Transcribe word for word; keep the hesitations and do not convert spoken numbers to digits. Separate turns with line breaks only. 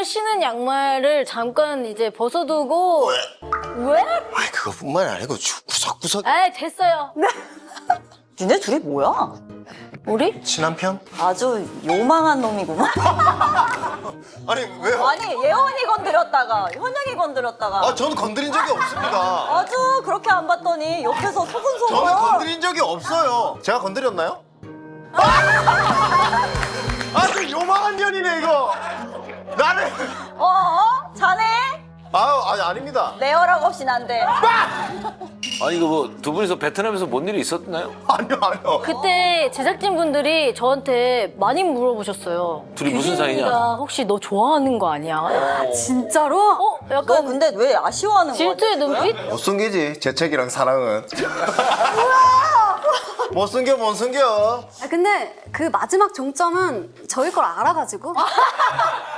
정말 신은 양말을 잠깐 이제 벗어두고 왜?
아이 그것뿐만 아니고 주- 구석구석
아 됐어요.
니네 둘이 뭐야?
우리?
친한 편?
아주 요망한 놈이구만.
아니 왜요?
아니 예원이 건드렸다가 현영이 건드렸다가
아 저는 건드린 적이 없습니다.
아주 그렇게 안 봤더니 옆에서 소근소근.
저는 건드린 적이 없어요. 제가 건드렸나요? 아! 아주 요망한 년이네 이거. 나는
어? 어? 자네?
아 아니 아닙니다.
내 허락 없이 난데.
아니 이거 뭐 두 분이서 베트남에서 뭔 일이 있었나요?
아니요 아니요.
그때 제작진 분들이 저한테 많이 물어보셨어요.
둘이 무슨 사이냐?
규진이가 혹시 너 좋아하는 거 아니야?
진짜로?
어?
너
약간
근데 왜 아쉬워하는 거야?
질투의 눈빛?
못 숨기지 재책이랑 사랑은. 못 숨겨 못 숨겨.
아, 근데 그 마지막 종점은 저희 걸 알아가지고